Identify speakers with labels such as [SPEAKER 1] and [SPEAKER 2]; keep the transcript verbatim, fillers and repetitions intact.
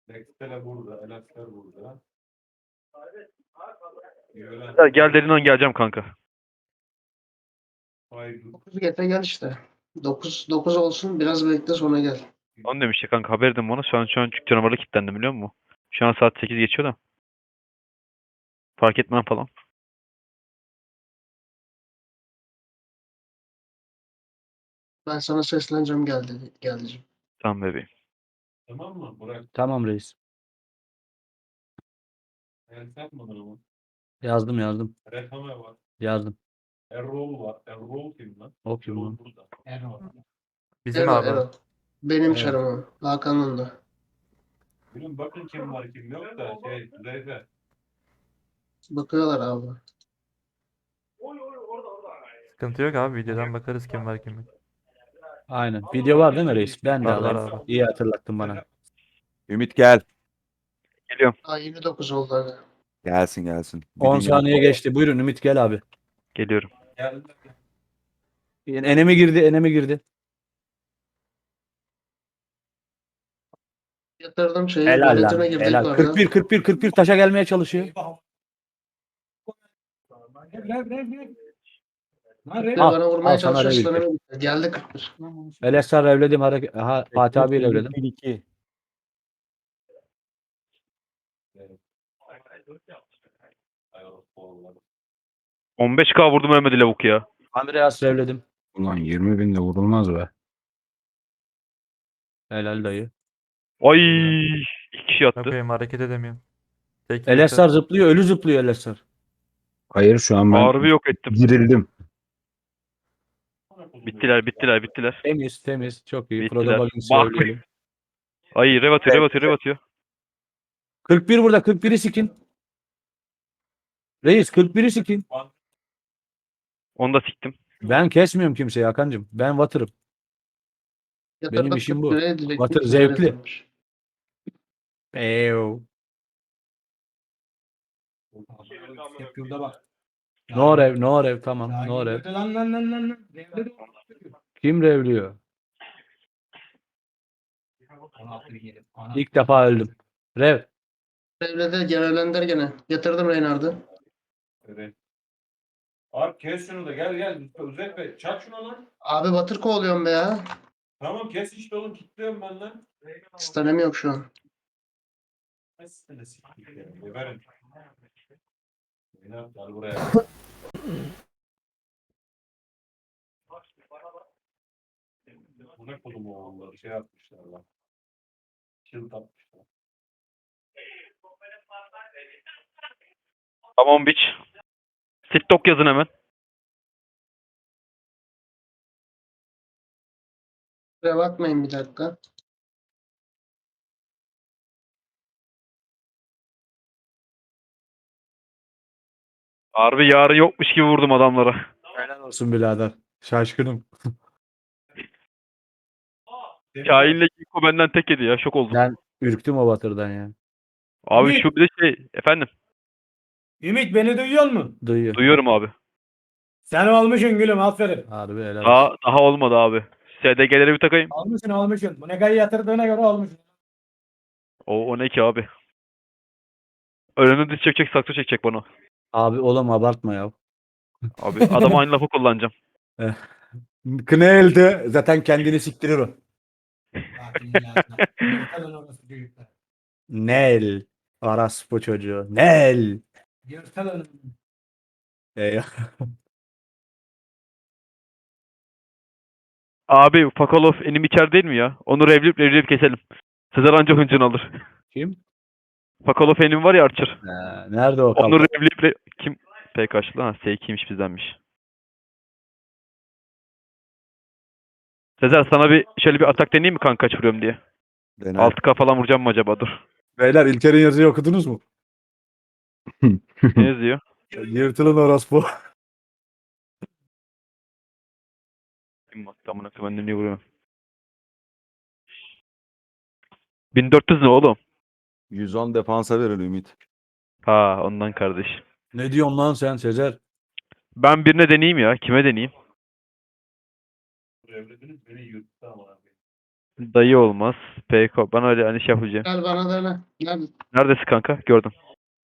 [SPEAKER 1] Dexter'e burada, Elaster burada.
[SPEAKER 2] Ya gel dediğin an geleceğim kanka.
[SPEAKER 1] Hayır.
[SPEAKER 3] dokuz getir gel işte. dokuz dokuz olsun biraz bekle sonra gel.
[SPEAKER 2] Onu demişti kanka, haber edin bana. Şu an şu an çünkü canavarla kilitlendim, biliyor musun? Şu an saat sekiz geçiyor da. Fark etmem falan.
[SPEAKER 3] Ben sana sesleneceğim gel dedi. Geleceğim.
[SPEAKER 2] Tamam bebeğim.
[SPEAKER 1] Tamam mı? Bırak.
[SPEAKER 4] Tamam reis.
[SPEAKER 1] El yapmadın ama.
[SPEAKER 4] Yazdım yazdım.
[SPEAKER 1] Rekame var.
[SPEAKER 4] Yazdım.
[SPEAKER 1] Errol var. Errol kim lan?
[SPEAKER 4] O kim
[SPEAKER 1] Errol
[SPEAKER 4] lan?
[SPEAKER 1] burada. Errol.
[SPEAKER 5] Bizim
[SPEAKER 3] Ero,
[SPEAKER 5] abi.
[SPEAKER 3] Ero. Benim
[SPEAKER 4] Evet.
[SPEAKER 3] çarımım. Hakan'ın da.
[SPEAKER 1] Bilin bakın kim var kim yok da şey Zeyfe.
[SPEAKER 3] Bakıyorlar abi.
[SPEAKER 5] Sıkıntı yok abi. Videodan bakarız kim var kim yok.
[SPEAKER 4] Aynen. Video var değil mi reis? Ben de
[SPEAKER 5] Var, var
[SPEAKER 4] alayım.
[SPEAKER 5] abi.
[SPEAKER 4] İyi hatırlattın bana.
[SPEAKER 6] Ümit gel.
[SPEAKER 2] Geliyorum.
[SPEAKER 3] Aa yirmi dokuz oldu abi.
[SPEAKER 6] Gelsin gelsin. Bir
[SPEAKER 4] on
[SPEAKER 6] dünya-
[SPEAKER 4] saniye geçti. Buyurun Ümit gel abi.
[SPEAKER 2] Geliyorum.
[SPEAKER 4] Enemi girdi, enemi girdi.
[SPEAKER 3] Yatırdım şeyi.
[SPEAKER 4] Helal lan.
[SPEAKER 3] Göletime girdik
[SPEAKER 4] Helal.
[SPEAKER 3] orada.
[SPEAKER 4] kırk bir kırk bir kırk bir taşa gelmeye çalışıyor.
[SPEAKER 3] Bir
[SPEAKER 4] Al,
[SPEAKER 3] bana vurmaya
[SPEAKER 4] al sana
[SPEAKER 3] çalışıyor.
[SPEAKER 4] revir.
[SPEAKER 3] Slaneme geldi kırk bir.
[SPEAKER 4] Elesar revledim. Hareket. Aha, Fatih abi revledim.
[SPEAKER 6] bir iki.
[SPEAKER 2] on beş K vurdum, ölmedi lavuk ya.
[SPEAKER 4] Andreas revledim.
[SPEAKER 6] Ulan yirmi binde vurulmaz be.
[SPEAKER 4] Helal dayı.
[SPEAKER 2] Ay, iki kişi attı.
[SPEAKER 5] Bakayım, hareket edemiyorum. Tek
[SPEAKER 4] Elesar zıplıyor. Ölü zıplıyor Elesar.
[SPEAKER 6] Hayır şu an ben
[SPEAKER 2] Harbi yok ettim.
[SPEAKER 6] girildim.
[SPEAKER 2] Bittiler, bittiler, bittiler.
[SPEAKER 4] Temiz temiz. Çok iyi.
[SPEAKER 2] Bittiler.
[SPEAKER 4] Frodo Baggins'i
[SPEAKER 2] Bak.
[SPEAKER 4] revleyelim.
[SPEAKER 2] Ay, rev atıyor, rev atıyor, rev atıyor.
[SPEAKER 4] kırk bir burada. kırk biri sikin. Reis kırk biri sikin.
[SPEAKER 2] Onu da siktim.
[SPEAKER 4] Ben kesmiyorum kimseyi Hakan'cığım. Ben vatırım.
[SPEAKER 3] Yatırdım
[SPEAKER 4] işim
[SPEAKER 3] kırk
[SPEAKER 4] bu.
[SPEAKER 3] bire direkt
[SPEAKER 4] Batır
[SPEAKER 3] bir
[SPEAKER 4] zevkli.
[SPEAKER 3] yatırmış.
[SPEAKER 4] Eyo. No rev, no rev tamam. No rev. Kim revliyor? İlk defa öldüm. Rev.
[SPEAKER 3] Devlede görevlendir gene. Yatırdım Reynard'ı.
[SPEAKER 1] Evet. Abi kes şunu da gel gel. Zeyfe çak şunu lan.
[SPEAKER 3] Abi batır kovalıyorum be ya.
[SPEAKER 1] Tamam kes işte oğlum kilitliyorum ben lan.
[SPEAKER 3] Stanem yok şu an.
[SPEAKER 1] Nasıl ne siktir ya. Geberin. Gel buraya. Bu ne kodum oğulları şey yapmışlar lan. Kill atmışlar.
[SPEAKER 2] Tamam biç. Sittok yazın hemen.
[SPEAKER 3] Buraya bakmayın bir dakika.
[SPEAKER 2] Harbi yarı yokmuş gibi vurdum adamlara.
[SPEAKER 4] Helal olsun birader. Şaşkınım.
[SPEAKER 2] Kain'le Kiko benden tek yedi ya. Şok oldum.
[SPEAKER 4] Ben ürktüm o batırdan ya.
[SPEAKER 2] Abi
[SPEAKER 7] Ümit.
[SPEAKER 2] şu bir de şey. Efendim.
[SPEAKER 7] Ümit beni duyuyor musun?
[SPEAKER 4] Duyuyor.
[SPEAKER 2] Duyuyorum abi.
[SPEAKER 7] Sen olmuşsun gülüm aferin.
[SPEAKER 4] Harbi helal olsun.
[SPEAKER 2] Daha, daha olmadı abi. S D G'lere bir takayım.
[SPEAKER 7] Olmuşsun olmuşsun. Bu negayı yatırdığına göre olmuşsun.
[SPEAKER 2] O, o ne ki abi? Önünü diz çekecek, saksı çekecek bana.
[SPEAKER 4] Abi oğlum abartma ya.
[SPEAKER 2] Abi adama aynı lafı kullanacağım.
[SPEAKER 4] Kına elde zaten kendini siktirir o. Nel. Araspo çocuğu. Nel. Eyvah.
[SPEAKER 2] Abi Fakolov enim içer değil mi ya? Onu revleyip revleyip keselim. Sezer anca hıncını alır.
[SPEAKER 4] Kim?
[SPEAKER 2] Fakolov enim var ya Archer.
[SPEAKER 4] Ha, nerede o
[SPEAKER 2] Onu
[SPEAKER 4] kalk?
[SPEAKER 2] revleyip re... Kim? P kaçlı lan? S ikiymiş bizdenmiş. Sezer sana bir şöyle bir atak deneyeyim mi kanka, kaç vuruyorum diye.
[SPEAKER 6] Dene.
[SPEAKER 2] altı K falan vuracağım mı acaba? Dur.
[SPEAKER 4] Beyler İlker'in yazıyı okudunuz mu?
[SPEAKER 2] Ne yazıyor?
[SPEAKER 4] Yırtılın orospu.
[SPEAKER 2] Kim baktı amına koyayım, ben de niye vuruyorum? bin dört yüz ne oğlum?
[SPEAKER 6] yüz on defansa verir Ümit.
[SPEAKER 2] Ha ondan kardeş.
[SPEAKER 4] Ne diyorsun lan sen Sezer?
[SPEAKER 2] Ben birine deneyeyim ya. Kime deneyeyim?
[SPEAKER 1] Evlediniz beni yuttu ama abi.
[SPEAKER 2] Dayı olmaz. Peyko. Ben öyle hani şey yapacağım.
[SPEAKER 3] Gel bana dene. Gel.
[SPEAKER 2] Neredesin kanka? Gördüm.